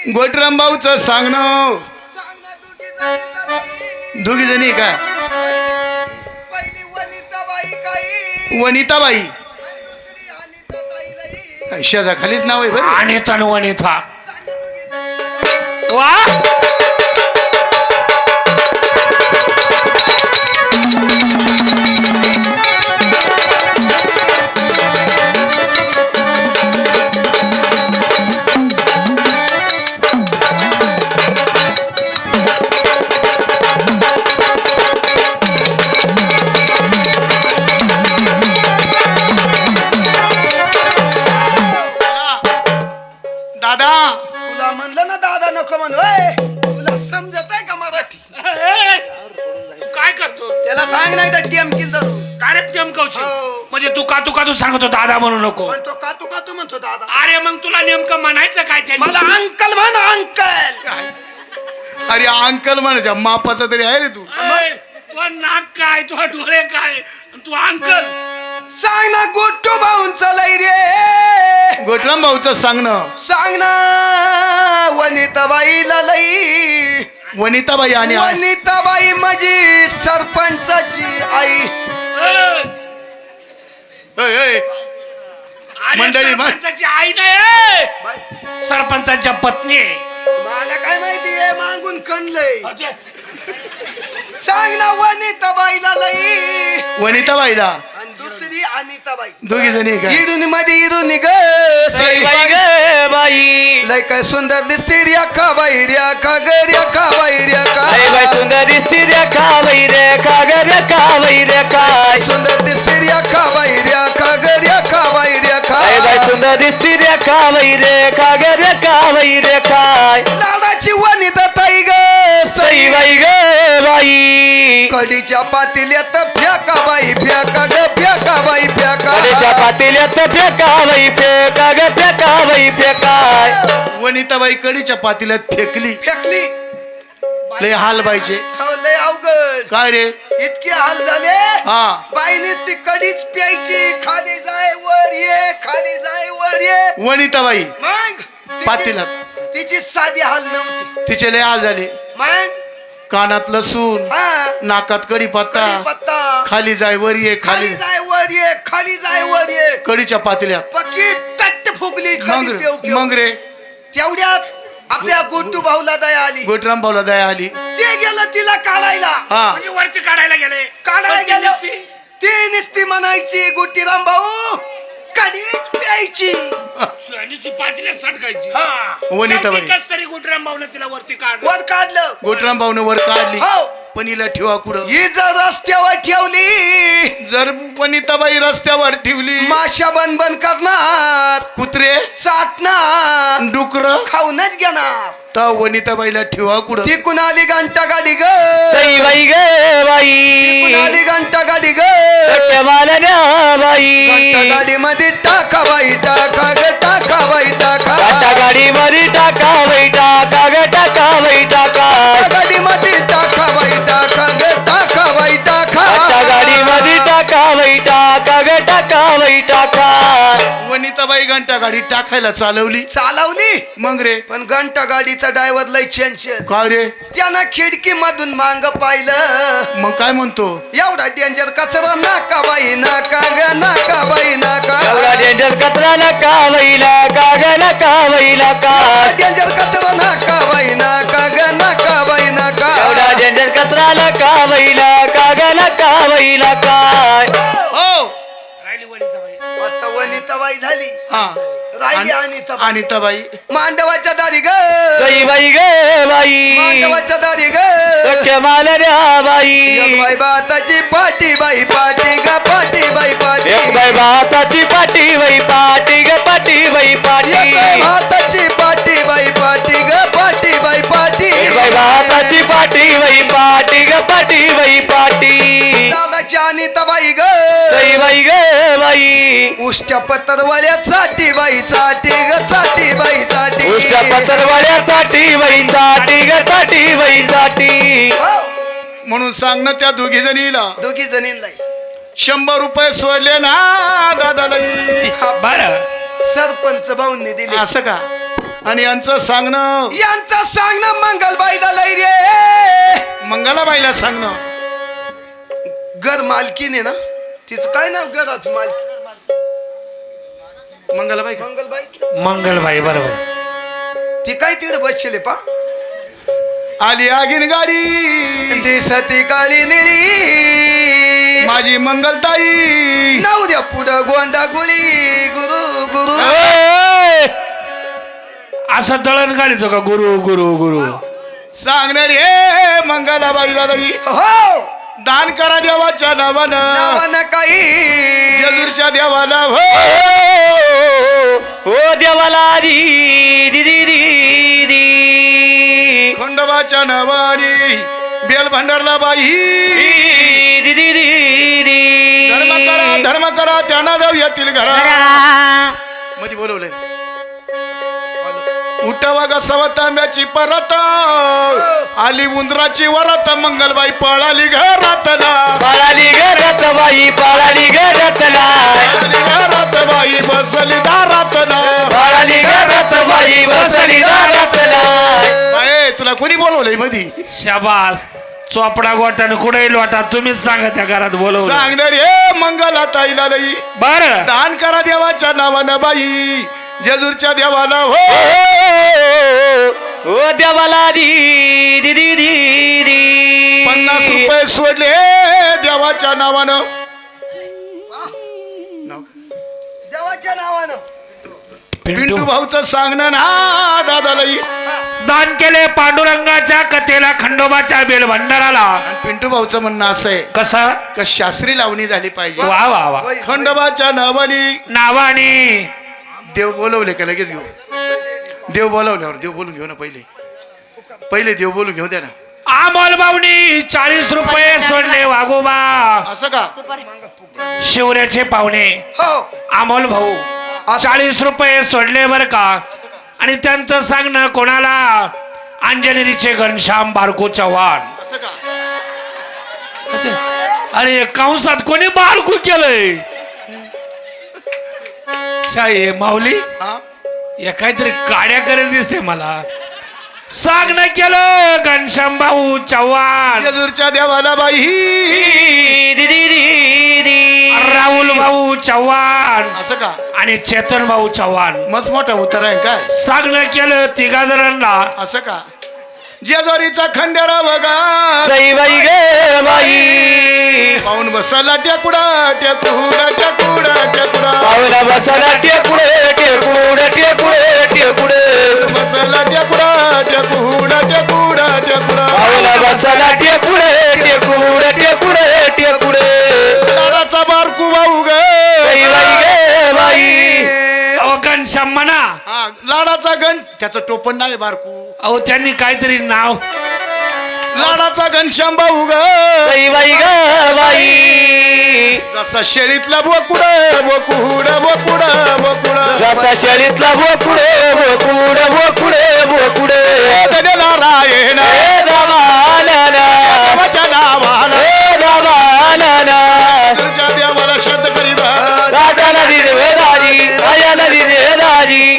गोटराम भाऊचं सांगणं दोघी जणी का पहिली वनिताबाई काही वनिताबाई दुसरी अनिताताई लई शेजा खालीच नाव आहे बरं आणि तनवणीथा सांगा दोघी वा दादा तुला म्हणलं ना दादा नको म्हण ओय. तुला समजत आहे का मराठी तू काय करतो त्याला सांग नाही तर टीएम किल धरू डायरेक्ट चमकवशील हो. म्हणजे तू सांगतो दादा म्हणू नको म्हणतो का तू म्हणतो दादा अरे मग तुला नेमकं म्हणायचं काय ते मला अंकल म्हण अंकल अरे अंकल म्हणायच्या मापाचा तरी आहे रे तू तुझा नाक काय तुझा डोळे काय तू अंकल सांग ना गोटू भाऊन लई रे गोटराम भाऊचं सांगणं सांग ना वनिताबाईला लई वनिताबाई आणि वनिताबाई माझी सरपंचाची आई ऐ, ऐ, अरे मंडळी, सरपंचाची आई नाही बाई, सरपंचाच्या पत्नी आहे. मला काय माहिती आहे मागून कणलंय अरे, सांग ना वनिताबाईला लई वनिताबाईला आणि दुसरी अनिताबाई दोघी जणी का इडून मध्ये इडून ग बाई लय काय सुंदर दिसते रे का बाई रे का गड्या का बाई रे अरे बाई का सुंदर दिसती रे का बाई रे का ग रे का बाई रे काय सुंदर दिसते रे का बाई रे का गड्या का बाई रे का अरे बाई सुंदर दिसती रे का बाई रे का ग रे का बाई रे काय लाडाची वनिता ताई ग सई बाई ग बाई कढीच्या पातेल्यात फेका बाई फेका ग फेका बाई कलेच्या फेका पातेल्यात फेका बाई फेका ग फेका बाई फेकाय वनिताबाई कडीच्या पातील्यात फेकली फेकली लय हाल बाईचे हो लय अवघड काय रे इतके हाल झाले हा बाईनेच ती कढीच प्यायची खाली जाय वर ये खाली जाय वर ये वनिताबाई मग पातेल्यात तिची साधी हाल नव्हती तिचे लय हाल झाले मग कानात लसूण हा नाकात कढीपत्ता कढीपत्ता खाली जाय वर ये खाली खाली जाय वर ये खाली जाय वर ये कडीच्या पातेल्यात पक्की तट्ट फुगली खाली मग पेव रे पेव. मग रे तेवढ्यात आपल्या गोटू भाऊला दया आली गोटराम भाऊला दया आली ते गेलं तिला काढायला हा म्हणजे वरती काढायला गेले काढायला वरती गेलो दिसती. ती नुसती म्हणायची गोटीराम भाऊ कधीच प्यायची आणि ती पातीला सटकायची वनिताबाई शेवटी कस तरी गुटराम भाऊने तिला वरती काढ वर काढलं गोटराम भाऊने वर काढली हो पण हिला ठेवा कुठं ही जर रस्त्यावर ठेवली जर वनिताबाई रस्त्यावर ठेवली माशा बन करणार कुत्रे चाटणार डुकर खाऊनच घेणार तर वनिताबाईला ठेवा कुठं ती कुणाली घंटा गाडी ग सई बाई ग बाई कुणाली घंटा गाडी ग सत्य मालन्या घंटा बाई गाडी मध्ये टाका बाई टाका ग टाका बाई टाका घंटा गाडी मध्ये टाका बाई टाका ग टाका बाई टाका गाडी मध्ये टाका बाई टाका ग टाका बाई टाका घंटा गाडी मध्ये टाका बाई टाका ग टाका बाई टाका वनिताबाई घंटा गाडी टाकायला चालवली चालवली मग रे पण घंटा गाडीचा ड्रायव्हर लय चेंशन काय रे त्यानं खिडकी मधून मांग पाहिलं मग काय म्हणतो एवढा डेंजर कचरा नाका बाई नाका ग नाका बाई एवढा नाका डेंजर कचरा नका बाई नका ग नका बाई नका डेंजर कचरा नाका बाई नाका ग नाका बाई नाका एवढा डेंजर कचरा नका बाई नका ग नका बाई नका हो राहिली वनिताबाई आता वनिताबाई झाली हा राहिली आणि- अनिताबाई मांडवाच्या दारी ग सई बाई ग बाई मांडवाच्या दारी ग सख्य मालन्या एक बाई बाई बाताची पाटी बाई पाटी ग पाटी बाई पाटी एक बाई भाताची पाटी बाई पाटी ग पाटी बाई पाटी एक बाई भाताची पाटी बाई पाटी ग पाटी बाई पाटी एक बाई भाताची पाटी बाई पाटी ग पाटी बाई पाटी दादाची अनिताबाई ग सई बाई ग बाई उष्ट्या पत्तरवाल्या चाटी बाई चाटी ग चाटी बाई चाटी उष्ट्या पत्रवाड्या साठी बाई साठी ग साठी बाई साठी म्हणून सांग ना त्या दोघी जणीला दोघी जणींना 100 रुपये सोडले ना दादाला बर सरपंच भाऊंनी दिली असं का आणि यांचं सांगणं यांचं सांगणं मंगलबाईला लय रे. मंगलाबाईला सांगणं. घर मालकीने ना तिचं काय नाव घरात मालकी मंगलाबाई का? मंगलबाई मंगलबाई बरोबर. ती काय तिकडे बसले पा आली आगीन गाडी दिसती काळी निळी माझी मंगलताई. नाव द्या पुढं गोंडा गुळी गुरु गुरु. असं दळण काढितो का गुरु गुरु गुरु. सांगणार हे मंगलाबाईला लई हो दान करा देवाच्या नावानं. नावानं काही जेजूरच्या देवाला हो. ओ देवाला दी दी दी दी दी खंडोबाच्या नावानी बेल भंडारला बाई. दी दी दी दी धर्म करा त्यांना देव येतील घरा. मध्ये बोलवलंय उठावा ग सवतांब्याची परत आली उंदराची वरात मंगलबाई पळाली घरात ना. पळाली घरात बाई पळाली घरात नाही. घरात बाई बसली दारात ना. पळाली घरात बाई बसली दारात नाही. बाई, तुला कोणी बोलवलंय मधी? शाबास. चोपडा गोटाने कुठेही लोटा तुम्हीच सांगा त्या घरात बोलवलं. सांगणार हे मंगला ताईला लई बर. दान करा देवाच्या नावानं बाई जेजूरच्या देवाला हो. ओ देवाला दी दी दी दी दी 50 रुपये सोडले देवाच्या नावानं. देवाच्या नावानं पिंटू भाऊचं सांगणं ना दादा लई. दान केले पांडुरंगाच्या कथेला खंडोबाच्या बेल भंडाराला. आणि पिंटू भाऊचं म्हणणं असं आहे कसा का शास्त्री लावणी झाली पाहिजे. वा वा वा. खंडोबाच्या नावानी नावाने देव बोलवले का लगेच घेऊ. देव बोलवल्यावर देव बोलून घेऊ ना. पहिले देव बोलून घेऊ द्या ना. अमोल भाऊनी 40 रुपये सोडले वागोबा. असं का? शिवऱ्याचे पाहुणे हो अमोल भाऊ 40 रुपये सोडले बर का. आणि त्यांचं सांगणं कोणाला अंजनेरीचे घनश्याम बारको चव्हाण. असं का? अरे कंसात कोणी बारकू केलंय. शाही माऊली हा? या काहीतरी काड्या करत दिसते मला. सांगणं केलं घनश्याम भाऊ चव्हाण. जेजूरच्या देवाला बाई दी दी दी दी राहुल भाऊ चव्हाण असं का? आणि चेतन भाऊ चव्हाण. मस्त मोठा उतार आहे काय? सांगणं केलं तिघा जणांना. असं का? जेजोरीचा खंडेरा बघा सई बाई गे बाई पाहून बसला टेकुडा टेकुडा टेकुडा टेकुडा पावला बसला टेकुडे टेकुडे टेकुडे टेकुडे बसला टेकुडा टेकुडा टेकुडा टेकुडा पावला बसला टेकुडे टेकुडे टेकुडे टेकुडे लाडाचा बारकू भाऊ ग सई बाई गे बाई अहो घनश्याम म्हणा. हा लाडाचा गंज त्याचं टोपण नाही बारकू. अहो त्यांनी काहीतरी नाव. लाडाचा घनश्याम भाऊ ग सई बाई गे बाई जसा शेळीतला बोकुड बोकुड बोकुड बोकुड जसा शरीतला बोकुडे बोकुडे बोकुडे बोकुडे नारायण हे देवाला देवाच्या नावानं हे देवाला तुझ्या देवाला शब्द करीत राजा नदी वेदाजी राजा नदी वेदाजी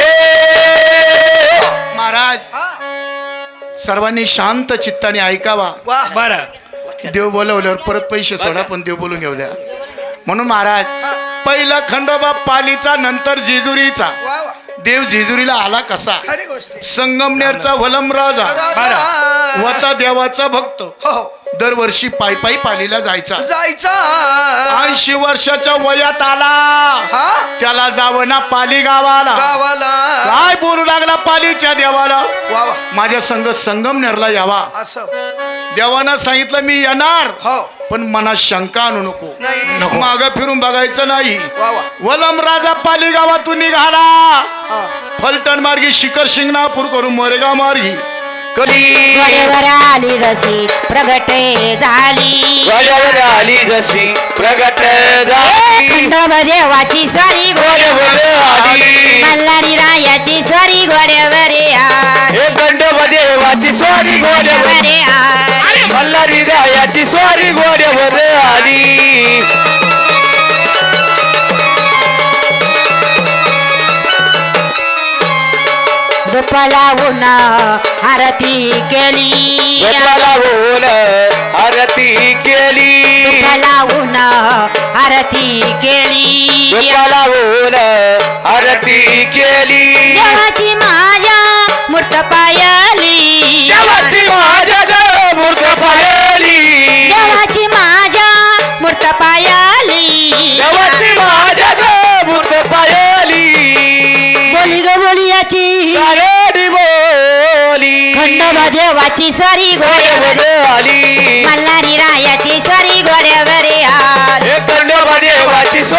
हे महाराज सर्वांनी शांत चित्ताने ऐकावा. बर. देव बोलवल्यावर परत पैसे सोडा पण देव बोलून घेऊ द्या. म्हणून महाराज पहिला खंडोबा पालीचा नंतर जेजुरीचा. वा वा देव जेजुरीला आला कसा? खरी गोष्ट संगमनेरचा वलम राजा वता देवाचा भक्त हो दरवर्षी पायी पालीला जायचा. जायचा 80 वर्षाच्या वयात आला हा त्याला जावं ना पाली गावाला. गावाला काय बोलू लागला पालीच्या देवाला वा वा माझ्या संग संगमनेरला यावा. असं देवानं सांगितलं मी येणार हो पण मनात शंका आणू नको. नाही नको. माग फिरून बघायचं नाही. वा वा वलम राजा पाली गावातून निघाला हा फलटण मार्गी शिखर शिंगणापूर करून मोरेगाव मार्गी कधी गडेवर आली जशी प्रगट झाली गड्यावर आली जशी प्रगट झाली खंडोब देवाची स्वारी गड्यावर आली मल्हारी रायाची स्वारी घोड्यावर हे खंडोबा देवाची स्वारी घोड्यावर मल्हारी रायाची स्वारी घोड्यावर आली. धूप लावून आरती केली लावून आरती केली धूप लावून आरती केली लावून आरती केली देवाची माझ्या मूर्त पायली देवाची माझ्या ग मूर्त पाहिली देवाची माझ्या मूर्त पायली देवाची माझ्या ग मूर्त पाहिली बोली ग बोली याची गारडी बोली खंडोबा देवाची स्वारी घोड्यावर आली मल्हारी रायाची स्वारी घोड्यावर आली खंडोबा देवाची